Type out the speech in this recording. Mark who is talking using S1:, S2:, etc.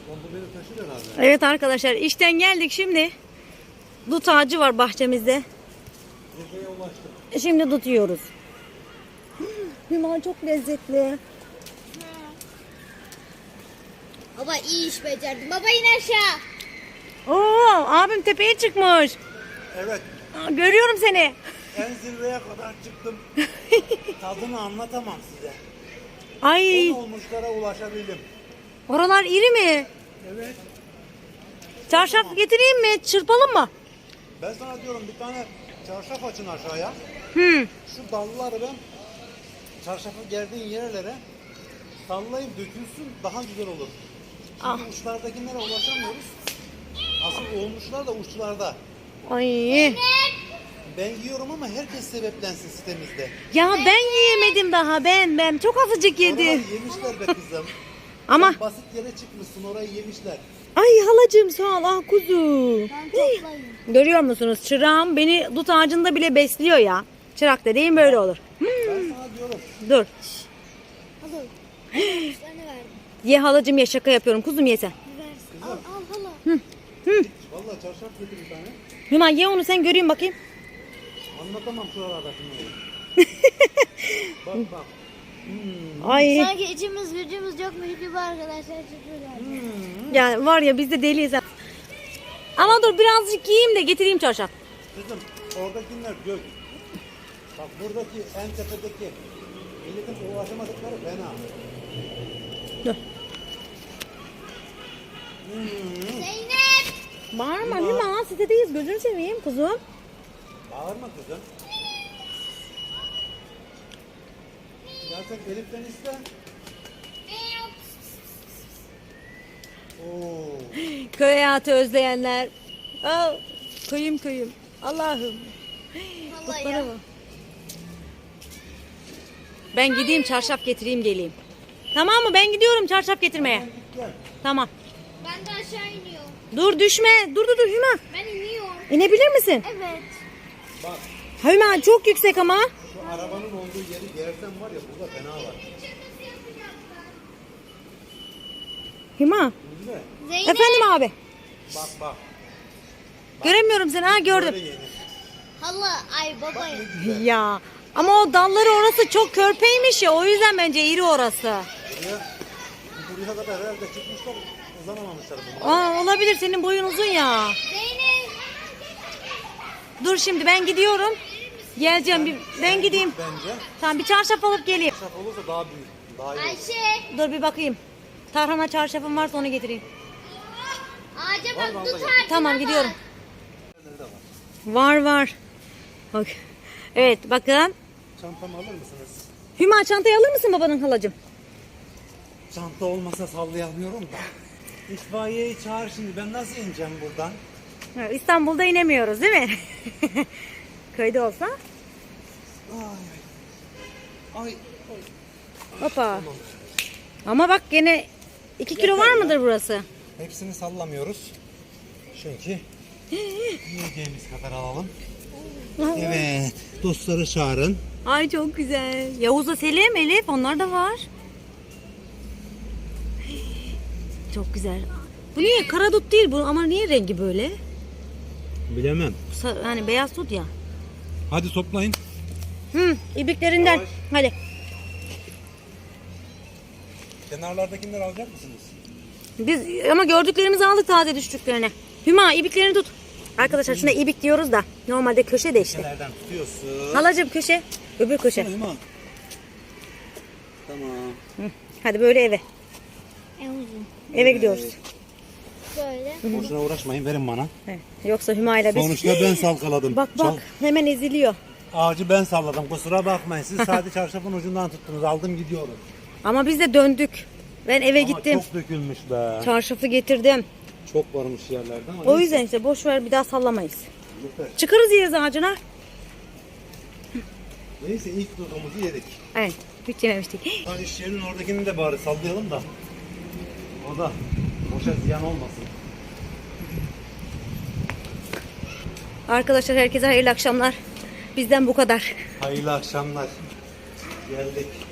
S1: Evet arkadaşlar, işten geldik şimdi. Dut ağacı var bahçemizde. Şimdi dut yiyoruz. Hüma çok lezzetli.
S2: Baba iyi iş becerdin. Baba in aşağı.
S1: Oo, abim tepeye çıkmış.
S3: Evet.
S1: Görüyorum seni.
S3: En zirveye kadar çıktım. Tadını anlatamam size.
S1: Ay,
S3: 10 olmuşlara ulaşabildim.
S1: oralar iri mi?
S3: Evet.
S1: Çarşaf getireyim mi? Çırpalım mı?
S3: Ben sana diyorum bir tane çarşaf açın aşağıya.
S1: Hı.
S3: Şu dalları ben çarşafı gerdiğin yerlere sallayıp dökülsün, daha güzel olur. Şimdi uçlardakilere ulaşamıyoruz. Asıl olmuşlar da uçlarda.
S1: Ay.
S3: Ben yiyorum ama herkes sebeplensin sitemizde.
S1: Ya ben yiyemedim daha. Ben çok azıcık yedim.
S3: Oraları yemişler be kızım.
S1: Ama
S3: Sen basit yere çıkmışsın, orayı yemişler.
S1: ay halacığım sağ ol, ah kuzu.
S2: Ben toplayayım.
S1: Görüyor musunuz? Çırağım beni dut ağacında bile besliyor ya. Çırak dediğim böyle olur.
S3: Ben sana diyorum.
S1: Dur.
S2: Hala. Kuşlarını verdim.
S1: Ye halacığım, ye, şaka yapıyorum. Kuzum ye sen.
S2: Versin. Al hala.
S3: Vallahi çarşaf getir bir tane.
S1: Hüma ye onu sen, göreyim bakayım.
S3: Anlatamam şuralardakini. Bak bak.
S1: Ay
S2: Sanki içimiz gücümüz yokmuş gibi arkadaşlar çıkıyorlar.
S1: yani var ya, biz de deliyiz. Ama dur birazcık yiyeyim de getireyim çarşaf.
S3: Kızım oradakiler gök. Bak buradaki en tepedeki milletin ulaşamadıkları fena.
S1: Dur.
S2: Zeynep.
S1: Bağırma Hüma, sitedeyiz, gözünü seveyim kuzum.
S3: Bağırma kızım. Ya sen Elif'ten iste. Oo.
S1: Köy hayatı özleyenler. Aa, köyüm. Allah'ım.
S2: Vallahi
S1: Bana
S2: ya.
S1: bak. Ben gideyim çarşaf getireyim geleyim. Tamam mı? Ben gidiyorum çarşaf getirmeye.
S3: Gel.
S1: Tamam.
S2: Ben de aşağı iniyorum.
S1: Dur düşme. Dur Hüma.
S2: Ben iniyorum.
S1: İnebilir misin?
S2: Evet.
S3: Bak
S1: Hüma çok yüksek ama.
S3: şu arabanın olduğu yeri gersen var ya, burada fena var.
S1: Hüma.
S3: Değil mi?
S2: Zeynep.
S1: Efendim abi.
S3: Bak.
S1: Göremiyorum seni. Ha gördüm.
S3: Böyle yenir.
S2: Hala. Ay baba ya.
S1: Ya. Ama o dalları orası çok körpeymiş ya. O yüzden bence iri orası.
S3: Buraya kadar herhalde çıkmışlar, uzanamamışlar bunlar.
S1: Olabilir, senin boyun uzun ya.
S2: Zeynep.
S1: Dur şimdi ben gidiyorum. Geleceğim. Ben gideyim.
S3: Bence
S1: Tamam, bir çarşaf alıp geleyim.
S3: çarşaf olursa daha büyük, daha iyi olur.
S2: Ayşe.
S1: Dur bir bakayım. Tarhana çarşafım varsa onu getireyim.
S2: Ağaca
S3: Var,
S2: bak.
S3: vallahi.
S2: Tut ağacına
S1: Tamam
S2: bak.
S1: gidiyorum.
S3: Nerede var?
S1: Var. Bak. Evet bakın.
S3: Çantamı alır mısınız?
S1: Hüma çantayı alır mısın babanın halacığım?
S3: Çanta olmasa sallayamıyorum da. İtfaiyeyi çağır şimdi, ben nasıl ineceğim buradan?
S1: Ha, İstanbul'da inemiyoruz değil mi? Köyde olsa.
S3: Ay.
S1: Hoppa. Ama bak gene 2 kilo var mıdır burası?
S3: Hepsini sallamıyoruz. Çünkü yiyeceğimiz kadar alalım. Evet. Dostları çağırın.
S1: Ay çok güzel. Yavuz'la Selim, Elif onlar da var. Çok güzel. Bu niye? Kara dut değil bu ama niye rengi böyle?
S3: Bilemem.
S1: Hani beyaz dut ya.
S3: Hadi toplayın.
S1: İbriklerinden.
S3: Yavaş.
S1: Hadi.
S3: Kenarlardakileri alacak mısınız?
S1: Biz ama gördüklerimizi aldık, taze düştüklerini. Hüma ibiklerini tut. Arkadaşlar şuna ibik diyoruz da normalde köşe de işte.
S3: Nereden tutuyorsun?
S1: Halacığım köşe. Öbür köşe.
S3: Tamam. Tamam.
S1: Hadi böyle eve.
S2: En uzun.
S1: Eve gidiyoruz.
S2: Böyle.
S3: Boşuna uğraşmayın, verin bana.
S1: Evet. Yoksa Hüma ile biz...
S3: Sonuçta ben salkaladım.
S1: Bak hemen eziliyor.
S3: Ağacı ben salladım, kusura bakmayın. Siz sadece çarşafın ucundan tuttunuz, aldım gidiyorum.
S1: Ama biz de döndük. Ben eve
S3: Ama
S1: gittim.
S3: çok dökülmüş be.
S1: Çarşafı getirdim.
S3: Çok varmış yerlerde ama.
S1: O yüzden işte boş ver, bir daha sallamayız.
S3: Yeter.
S1: Çıkarız yeriz ağacına.
S3: Neyse ilk dudumuzu yedik.
S1: Evet. Hiç yememiştik.
S3: Ha, iş yerinin oradakini de bari sallayalım da. O da boşa ziyan olmasın.
S1: Arkadaşlar herkese hayırlı akşamlar. Bizden bu kadar.
S3: Hayırlı akşamlar. Geldik.